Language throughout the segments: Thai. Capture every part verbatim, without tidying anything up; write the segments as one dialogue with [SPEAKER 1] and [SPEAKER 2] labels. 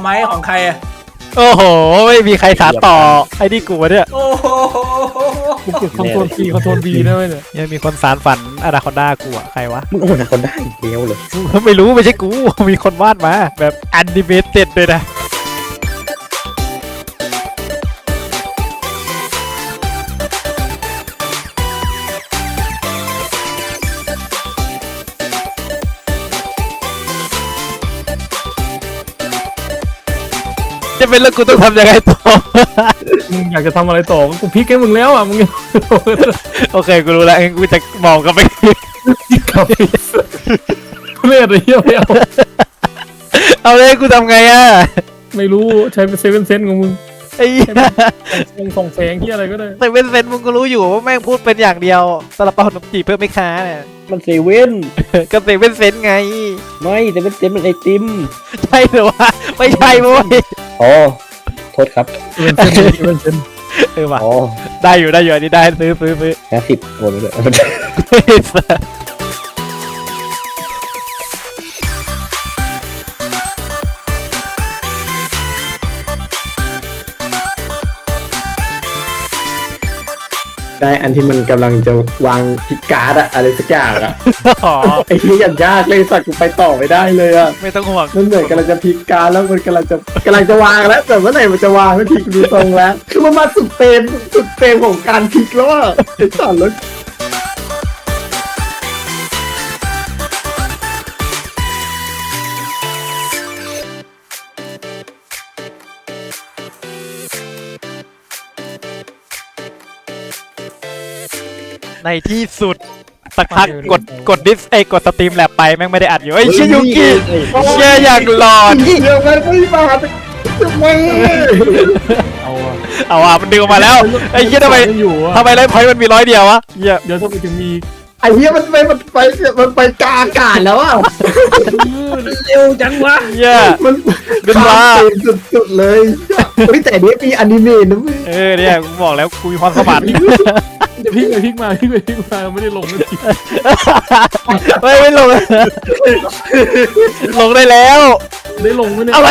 [SPEAKER 1] ไหมของใครอะ
[SPEAKER 2] โอ้โหไม่มีใครสานต่อไอ้นี่กูเนี่ย
[SPEAKER 1] โอ้โห
[SPEAKER 3] กูเก็บคอนโทรลซีคอนโทรลบีได้ไหมเนี่ย
[SPEAKER 2] ยังมีคนสารฝันอนาคอนด้ากูอะใครวะ
[SPEAKER 4] มึงโอ้นะคนได้เดียวเลย
[SPEAKER 2] ไม่รู้ไม่ใช่กูมีคนวาดมาแบบแอนิเมเต็ดเลยนะจะเป็นแล้วกูต้องทำยังไงต่อ
[SPEAKER 3] มึงอยากจะทำอะไรต่อกูพลิกให้มึงแล้วอ่ะมึง
[SPEAKER 2] โอเคกูรู้แล้วกูจะมองกันไป
[SPEAKER 3] กับเลือดเยี่ยวเอา
[SPEAKER 2] เอาเลยกูทำไงอ่ะ
[SPEAKER 3] ไม่รู้ใช้เป็นเซเว่นเซนของมึง
[SPEAKER 2] ไอ้
[SPEAKER 3] ส่งส่งแสงที่อะไรก็ได้
[SPEAKER 2] เซเว่นเซนมึงก็รู้อยู่ว่าแม่งพูดเป็นอย่างเดียวซาลาเปาขนมจีบเพิ่มไม่ค้าเนี่ย
[SPEAKER 4] มันเซเว่น
[SPEAKER 2] ก็เซเว่นเซนไง
[SPEAKER 4] ไม่เซเว่นเซนมันไอติม
[SPEAKER 2] ใช่หรือวะไม่ใช่มั้ย
[SPEAKER 4] อ๋อโทษครับ
[SPEAKER 3] เซเว่นเซนเซเว่นเซน
[SPEAKER 2] เออว่ะได้อยู่ได้อยู่อันนี้ได้ซื้อซื้อซื้อ
[SPEAKER 4] ห้าสิบโอนไปเลยได้อันที่มันกำลังจะวางพิกการ์ดอะอะไรสักอย่างอะไอ้ที่ยันยากเลยสัตว์กูไปต่อไม่ได้เลยอะ
[SPEAKER 2] ไม่ต้องห่วง
[SPEAKER 4] มันเหมือนกำลังจะพิกการ์ดแล้วมันกำลังจะกำลังจะวางแล้วแต่เมื่อไหร่มันจะวางไม่พิกดูตรงแล้วคือมันมาสุดเฟรมสุดเฟรมของการพิกแล้วอะไอ้สัตว์แล้ว
[SPEAKER 2] ในที่สุดสักพักกดกดดิสไอ้กดสตรีมแลบไปแม่งไม่ได้อัดอยู่ไอ้ชิยุกิเชี่ยอย่างหลอด
[SPEAKER 4] เดี๋ยวมันไม่มาทำไม
[SPEAKER 3] เอาอะ
[SPEAKER 2] เอาอ่ะมันดึงออกมาแล้วไอ้เชี่ยทำไมทำไมไลฟ์พอยต์มันมีร้อยเดียววะเหี้ย
[SPEAKER 3] เดี๋ยวถ้าไปถึงมี
[SPEAKER 4] ไอ้เหี้ยมันไปมันไปมันไปกลางอากาศแล้วอ่ะ
[SPEAKER 3] เร็วจังวะ
[SPEAKER 2] เหี้ย
[SPEAKER 4] มัน
[SPEAKER 2] เป็นว่า
[SPEAKER 4] สุดๆเลยเฮ้ยแต่เนี้ยมีอนิเมะนะมึง
[SPEAKER 2] เออเนี่ยกูบอกแล้วกูมีความสมาน
[SPEAKER 3] จะพลิกไปพลิกมาพลิกไปพลิกมาไม่ได้ลงเลย
[SPEAKER 2] ไม่ไม่ลงลงได้แล้ว
[SPEAKER 3] ได้ลงไหมเนี่ย
[SPEAKER 2] อะไร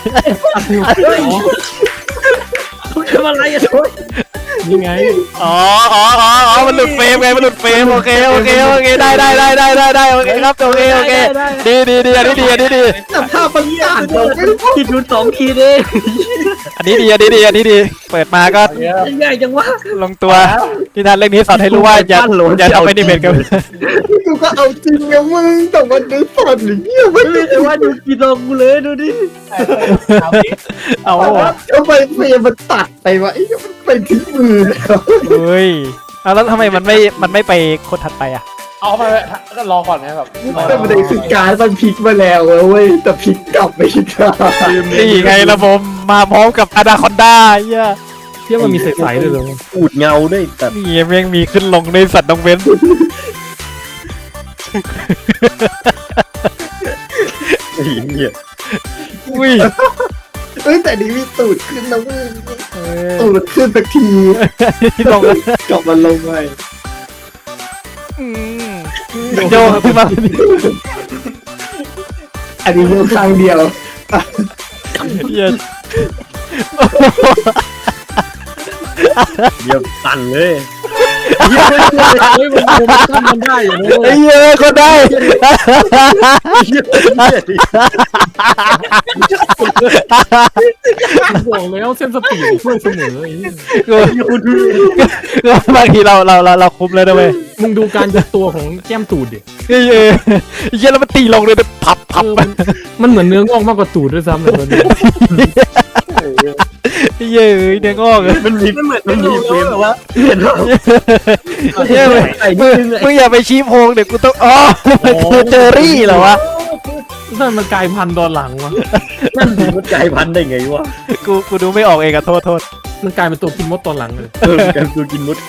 [SPEAKER 3] ทำอะไรอ่ะนี่ไง
[SPEAKER 2] อ๋ออ๋ออ๋อมันหลุดเฟรมไงมันหลุดเฟรมโอเคโอเคโอเคได้ได้ได้ได้ได้ได้โอเคครับโอเคโอเคดีดีดีอันนี้ดีอันนี้ดี
[SPEAKER 4] แต่ภาพมันยาก
[SPEAKER 3] คิดดูสองทีเอง
[SPEAKER 2] อันนี้ดีอันนี้ดีอันนี้ดีเปิดมาก็
[SPEAKER 3] ง่ายจังวะ
[SPEAKER 2] ลงตัวที่ทันเรื่องนี้สอนให้รู้ว่าอย่าอย่าทำให้ดิเมทกัน
[SPEAKER 4] กูก็เอาจริงนะมึงแต่มันดูสอนหรือเงี้ย
[SPEAKER 3] ไม่ได้ว่าดูกินลงกูเลยดูดิ
[SPEAKER 2] เอา
[SPEAKER 4] ทำไมเฟรมมันตัดไปวะไอ้มันไปที่มือ
[SPEAKER 2] เฮ้ยแล้วทำไมมันไม่มันไม่ไปคนถัดไปอ่ะ
[SPEAKER 3] เอาไปก็รอก่อนนะแบบ
[SPEAKER 4] แต่ประเด็นคือการมันพลิกมาแล้วเว้ยแต่พลิกกลับไม่ได้
[SPEAKER 2] นี่ไงระบบมาพร้อมกับอนาคอนด้าเหี้ย
[SPEAKER 3] เที่ยมันมีใสๆเลยเหรอ
[SPEAKER 4] อูดเงาด้วยแต่
[SPEAKER 2] นี่แม่งมีขึ้นลงในสัตว์น้องเว้น
[SPEAKER 4] ไอ้เหี้ย
[SPEAKER 2] อุ้ย
[SPEAKER 4] เอ้ยแต่นี่มีตูดขึ้นนะมึงตูดขึ้นสักที
[SPEAKER 2] ลง
[SPEAKER 4] กลับมาลงไป
[SPEAKER 2] โยขึ้นมา
[SPEAKER 4] อันนี้มือข้างเดียว
[SPEAKER 2] เย็น
[SPEAKER 4] เยี่ยมสั่นเลย
[SPEAKER 3] เฮ้ยมันมันมันได้อยู่
[SPEAKER 2] ไอ้เหี้ยก็ได้
[SPEAKER 3] บอกแล้วเส้นสปีดช่วยเสมอไอ้เหี้ย
[SPEAKER 2] ก็บางทีเราเราเราเราคุ้มเลยนะเว้ย
[SPEAKER 3] มึงดูการยัดตัวของแก้มตูดดิ
[SPEAKER 2] เฮ้ยเหี้ยแล้วมันตีลงเลยแบบพับพับ
[SPEAKER 3] มันเหมือนเนื้องอกมากกว่าตูดด้วยซ้ำเลย
[SPEAKER 2] เย้ยเนื้องอก
[SPEAKER 4] มันมี
[SPEAKER 3] มันเหมือนมันมีเฟรม
[SPEAKER 4] ว่าเห็นหรอ
[SPEAKER 2] เฮ้ยมึงอย่าไปชี้โพงเดี๋ยวกูต้องอ๋อมันคือเจอรี่เหรอวะ
[SPEAKER 3] นั่นมันกลายพันธุ์ตอนหลังวะ
[SPEAKER 4] นั่นมันกลายพันธุ์ได้ไงวะ
[SPEAKER 2] กูกูดูไม่ออกเองอะโทษโทษ
[SPEAKER 3] มันกลายเป็นตัวกินมดตอนหลังเลย
[SPEAKER 4] เออการตัวกินมด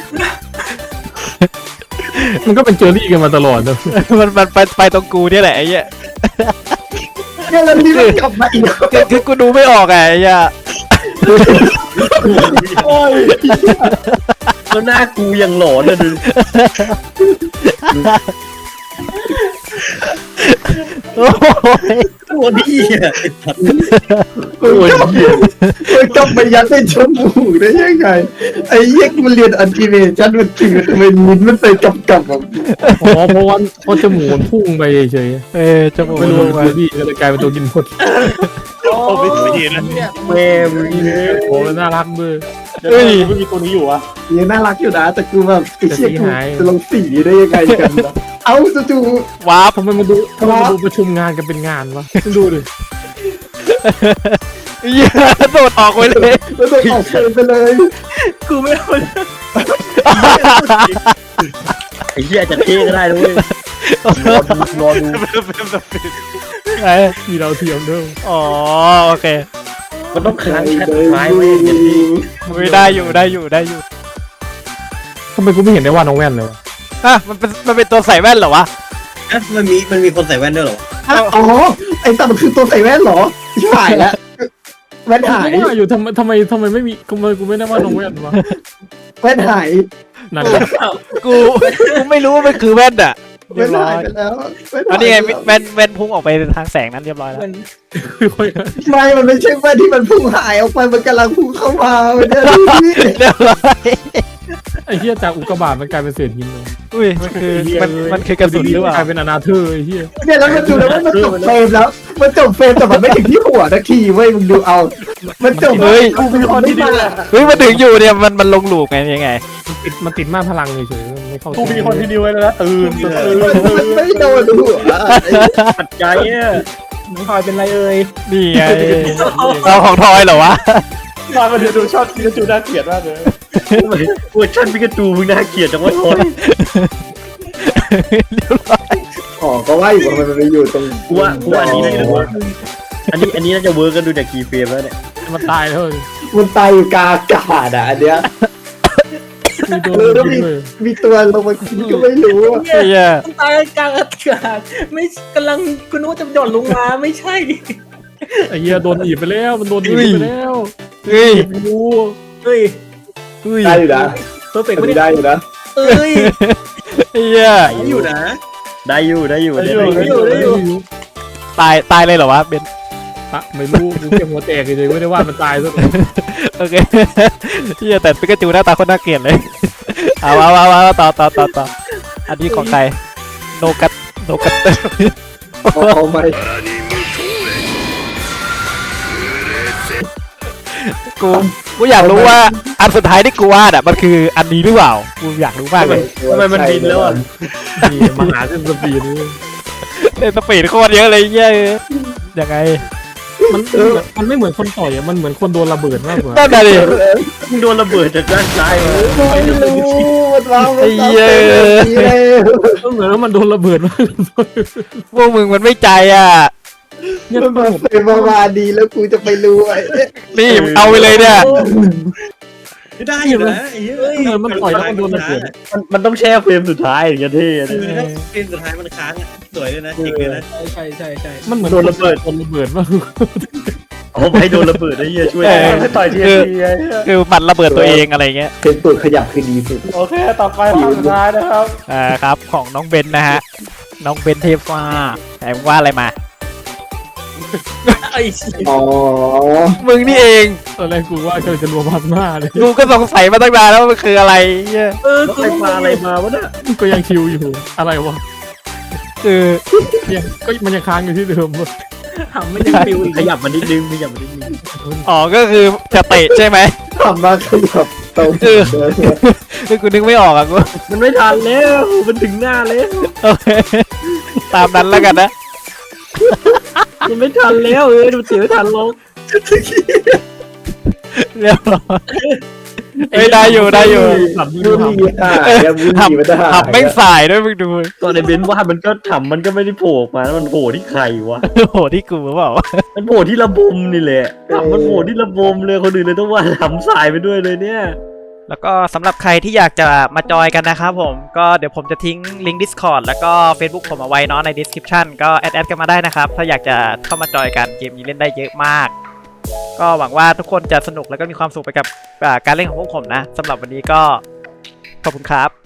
[SPEAKER 3] มันก็เป็นเจอรี่กันมาตลอดนะ
[SPEAKER 2] มันมันไปไปตรงกูเนี่ยแหละไอ้เหี้ย
[SPEAKER 4] เนี่ยแล้วนี่มันกลับมาอีก
[SPEAKER 2] คือกูดูไม่ออกไงไอ้เหี้ย
[SPEAKER 4] โอ้ยแล้วหน้ากูยังหลอนเลยดู
[SPEAKER 2] โอ้ย
[SPEAKER 1] ตัวนี้อ่ะ
[SPEAKER 4] โอ้ยมันกลับไปยัดในจมูกได้ยังไงไอ้เหี้ยมันเรียนอันติเมชันมันจริงทำไมลิ้นมันไปกับกับแบบ
[SPEAKER 3] อ๋อเพราะว่าเพราะจมูกมันพุ่งไปเฉย
[SPEAKER 2] เออจมูก
[SPEAKER 3] ๆไม่รู้ว่าพี่ก็เลยกลายเป็นตัวกินหมด
[SPEAKER 1] โอ้ไม่ดีนะแม่มึง
[SPEAKER 3] โอ้น่ารักด้วย
[SPEAKER 1] เฮ้ยไม่มีตัวนี้อยู่วะ
[SPEAKER 4] ยังน่ารักอยู่นะแต่กูแบบไอ้เชี่ยกูจะลงสีได้ยังไงกันนะเอาจู่
[SPEAKER 2] ว้าบ
[SPEAKER 3] ทำไมมาดูทำไมมาดูประชุมงานกันเป็นงานวะดูดิ
[SPEAKER 2] เหี้ยโดดออกไปเลย
[SPEAKER 4] ๆแล้วโดนออกเชิญไปเลย
[SPEAKER 1] กูไม่เอาไอ้เหี้ยจะเท่ก็ได้ด้วยรอดูรอดู
[SPEAKER 2] ไอ้
[SPEAKER 3] มีเราเทียมด้วย
[SPEAKER 2] อ๋อโอเค
[SPEAKER 1] มันต้องค้างแชทไม้ไว้อย่างนี้
[SPEAKER 2] ไม่ได้อยู่ได้อยู่ได้อยู่
[SPEAKER 3] ทำไมกูไม่เห็นได้ว่าน้องแว่นเลยวะ
[SPEAKER 2] อ่ะมันเป็นมันเป็นตัวใส่แว่นเหรอวะ
[SPEAKER 1] อ่ะมันมีมันมีคนใส่แว่นด้วยเหรอ
[SPEAKER 4] อ๋อไอ้ตามันคือตัวใส่แว่นเหรอหายแล้วแว่นหาย
[SPEAKER 3] กูว่าอยู่ทำไมทำไมทำไมไม่มีทำไมกูไม่ได้ว่าน้องแว่นวะ
[SPEAKER 4] แว่นหาย
[SPEAKER 3] นั่นแหละ
[SPEAKER 2] กูกูไม่รู้ว่ามันคือแว่นอ่ะเรี
[SPEAKER 4] แว่
[SPEAKER 2] ย
[SPEAKER 4] น
[SPEAKER 2] บร้อ
[SPEAKER 4] หาย
[SPEAKER 2] ย
[SPEAKER 4] ไปแล้วแว่น
[SPEAKER 2] อั
[SPEAKER 4] หาน ย
[SPEAKER 2] นี้ไงแว่นแว่นพุ่งออกไปทางแสงนั้นเรียบร้อยแล้ว
[SPEAKER 4] ไม่มันไม่ใช่แว่นที่มันพุ่งหายออกไปมันกำลังพุ่งเข้ามาเนี่ยดูดิ
[SPEAKER 2] เรียบร้อย
[SPEAKER 3] ไอ้เหี้ยจากอุกกาบาตมันกลายเป็นเศษหินเลย
[SPEAKER 2] อุ้ยมันคือมันมันคือกระสุนหรือเปล่าก
[SPEAKER 3] ลายเป็นอนาเธอร์ไอ้เหี้ย
[SPEAKER 4] เนี่ยแล้วมันดูแล้วว่ามันจบเฟรมแล้ว มันจบเฟรมแต่มันไม่ถึงที่หัวนาทีเว้ยมึงดูเอา มันจบ
[SPEAKER 2] เฮ้ย
[SPEAKER 4] กูเป็นคนที่มา
[SPEAKER 2] เฮ้ยมันถึงอยู่เนี่ยมันมันลงหลูกไงยังไง
[SPEAKER 3] มันติดมันติดมากพลังเฉยๆมันไม่เข้า
[SPEAKER 1] กูมีคนที่ดีไว้แล้วนะตื่นตื่น
[SPEAKER 4] มันไม่โดนหัว
[SPEAKER 1] ปัดใจอ่ะ
[SPEAKER 3] น้องคอยเป็นไรเอ่ย
[SPEAKER 2] นี่ไงเราของทอยเหรอวะ
[SPEAKER 1] นอนมาเดี๋ยวดูชอบพิกาจูน่าเกลียดมากเลยเวอร์ชันพิกาจูมึงน่าเกลียดจังวะโอ้ย
[SPEAKER 2] เรียบร้อย
[SPEAKER 4] อ๋อก็ว่าอยู่ว่ามันไปอยู่ตรง
[SPEAKER 1] กูว่ากูว่าอันนี้น่าจะเวิร์กอันนี้อันนี้น่าจะเวิร์กกันดูจากคีย์เฟรมแล้วเนี่ย
[SPEAKER 3] มันตายแล้ว
[SPEAKER 4] มันตายอยู่กลางอากาศอ่ะอันเนี้ย
[SPEAKER 3] มีโดน
[SPEAKER 4] เออแล้ว
[SPEAKER 3] กิ
[SPEAKER 4] มี
[SPEAKER 3] นเลย
[SPEAKER 4] มีตัวลงมากินก็ไม่รู้อะ
[SPEAKER 2] เฮีย
[SPEAKER 5] ตายกลางอากาศไม่กำลังคุณนึกว่าจะหย่อนลงมาไม่ใช่
[SPEAKER 3] ไอ้เหี้ยโดนหนีบไปแล้วมันโดนหนีบไปแล้ว
[SPEAKER 2] เฮ้ย
[SPEAKER 3] กู
[SPEAKER 5] เฮ้ย
[SPEAKER 2] เฮ้ย
[SPEAKER 4] ได้อยู่นะ
[SPEAKER 5] เพอร์เฟกต์
[SPEAKER 4] มัน
[SPEAKER 5] ไม่
[SPEAKER 4] ได้
[SPEAKER 5] ได้
[SPEAKER 4] อยู่นะ
[SPEAKER 5] เอ้ย
[SPEAKER 2] เฮีย
[SPEAKER 1] ได้อยู่นะ ได้อยู่ได้อยู่ได้
[SPEAKER 5] ได้อยู่ได้อยู่
[SPEAKER 2] ตายตายเลยเหรอวะเบน
[SPEAKER 3] อะไม่รู้กูแค่หัวแตกเฉยๆไม่ได้ว่ามันตายซะ
[SPEAKER 2] โอเคเฮียแต่ปิกาจูหน้าตาคนน่าเกลียดเลยเอาเอาเอาเอาต่อต่อต่อต่ออันนี้ของใครโนกัตโนกัต
[SPEAKER 4] เอาเอาไหม
[SPEAKER 2] กูกูอยากรู้ว่าอันสุดท้ายที่กูวาดอ่ะมันคืออันนี้หรือเปล่ากูอยากรู้มากเลย
[SPEAKER 1] ทำไมมันบินแล้วอ่ะ
[SPEAKER 3] นี่มหาเส้นสปีดนี่
[SPEAKER 2] เล่นสปีดโคตรเยอะเลยเหี้ยยังไง
[SPEAKER 3] มันมันไม่เหมือนคนต่อยอะมันเหมือนคนโดนระเบิดมากกว่า
[SPEAKER 2] นั่นน่ะดิ
[SPEAKER 1] มึงโดนระเบิดจากด้านซ้ายมา
[SPEAKER 4] ไม่รู้มันวางมัน
[SPEAKER 2] ไอ้เหี้ย
[SPEAKER 3] มันเหมือนว่ามันโดนระเบิดมาก
[SPEAKER 2] พวกมึงมันไม่ใจอ่ะ
[SPEAKER 3] เนี่ย
[SPEAKER 4] มันมาเป็นประมาณดีแล้วกูจะไปรู้ไอ้
[SPEAKER 2] นี่เอาไปเลยเนี่ย
[SPEAKER 1] ได้อยู่นะไอ้เหี้ย
[SPEAKER 3] เหมือนมันต่อยแล้วมันโดนระเบิด
[SPEAKER 1] มันมันต้องแช่เฟรมสุดท้ายอย่างเงี้ยเท่เฟรมสุดท้ายมันค้างสวยเลยนะจริงเลยนะ
[SPEAKER 5] ใช่ใช่ใช่
[SPEAKER 3] มันเหมือน
[SPEAKER 1] โดนระเบิด
[SPEAKER 3] โดนระเบิดมาก
[SPEAKER 1] โอ้ไปโดนระเบิดไอ้เหี้ยช่วยไม่ต่อยทีที
[SPEAKER 2] คือมันระเบิดตัวเองอะไรเงี้ย
[SPEAKER 4] เป็นตัวขยับคือดีสุด
[SPEAKER 1] โอเคต่อไปภาพสุดท้ายนะครับ
[SPEAKER 2] อ่าครับของน้องเบนนะฮะน้องเบนเทฟ้าแต่มึงว่าอะไรมา
[SPEAKER 5] ไอ้
[SPEAKER 4] อ๋อ
[SPEAKER 2] มึงนี่เอง
[SPEAKER 3] ตอนแรกกูว่าจะจะรวมพับหน้าเลย
[SPEAKER 2] กูก็สงสัยมาตั้งนานแล้วว่ามันคืออะไรเหี้ย
[SPEAKER 5] เออ
[SPEAKER 1] แล้ว
[SPEAKER 5] กู
[SPEAKER 1] ใครปลาอะไรมาวะเนี่ย
[SPEAKER 3] ก็ยังคิวอยู่อะไรวะ
[SPEAKER 2] คือ
[SPEAKER 3] เนี่ยก็มันยังค้างอยู่ที่เดิมวะ
[SPEAKER 5] ทำไม่ยังปิวอีก
[SPEAKER 1] ขยับมันนิดนึงขยับมันนิดนึง
[SPEAKER 2] อ๋อก็คือจะเตะใช่ไหม
[SPEAKER 4] ทำมาขยับตรง
[SPEAKER 2] คือคือกูนึกไม่ออกอ่ะกู
[SPEAKER 1] มันไม่ทันแล้วมันถึงหน้าแล้ว
[SPEAKER 2] โอเคตามนั้นแล้วกันนะ
[SPEAKER 1] มันไม่ทันแล้วเออมันเสียไม่ทันลง
[SPEAKER 2] เรียบร้อยเฮ้ยได้อยู่ได้อยู่
[SPEAKER 3] ขับนี่
[SPEAKER 4] ดู
[SPEAKER 3] ดู
[SPEAKER 4] ดีอ่ะยังดูดีมันจะหา
[SPEAKER 2] ขับแม่งสายด้วยมึงดู
[SPEAKER 1] ตอนในเบนซ์ว่ามันก็ทำมันก็ไม่ได้โผล่ออกมาแล้วมันโผล่ที่ใครวะ
[SPEAKER 2] โอ้โหที่กูเปล่า
[SPEAKER 1] มันโผล่ที่ระบมนี่แหละทำมันโผล่ที่ระบมเลยคนอื่นเลยต้องว่าทำสายไปด้วยเลยเนี่ย
[SPEAKER 2] แล้วก็สำหรับใครที่อยากจะมาจอยกันนะครับผมก็เดี๋ยวผมจะทิ้งลิงก์ Discord แล้วก็ Facebook ผมเอาไว้เนาะใน description ก็แอดแอดกันมาได้นะครับ ถ้าอยากจะเข้ามาจอยกันเกมนี้เล่นได้เยอะมาก ก็หวังว่าทุกคนจะสนุกแล้วก็มีความสุขไปกับอ่าการเล่นของพวกผมนะสำหรับวันนี้ก็ขอบคุณครับ